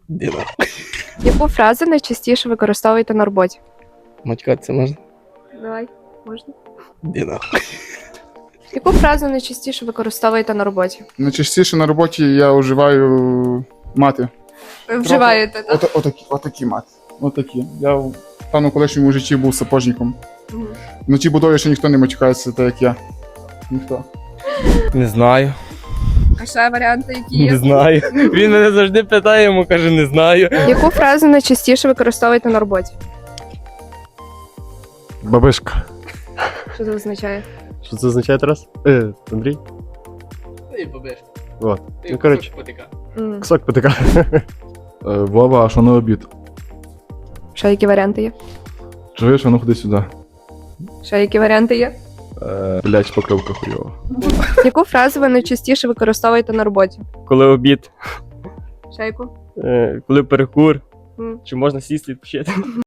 Діна. Яку фразу найчастіше використовуєте на роботі? Матькатися можна? Давай, можна. Діна. Яку фразу найчастіше використовуєте на роботі? Найчастіше на роботі я вживаю мати. Ви вживаєте, так? Отакі мати. Отакі. Я в певному колишньому житті був сапожником. Мгм. На тій будові ще ніхто не матюкається, так як я. Ніхто. Не знаю. А ще варіанти, які Не знаю. Він мене завжди питає, йому каже, не знаю. Яку фразу найчастіше використовуєте на роботі? Бабишка. Що це означає? Що це означає, Тарас? Андрій? І побежка. Вот. Ну, коротше, М. кусок потика. Вова, а що на обід? Ще які варіанти є? Чуєш, а ну ходи сюди. Ще які варіанти є? Блять, покривка хуйова. Яку фразу ви найчастіше використовуєте на роботі? Коли обід, Ще яку? коли перекур, М. чи можна сісти відпочити.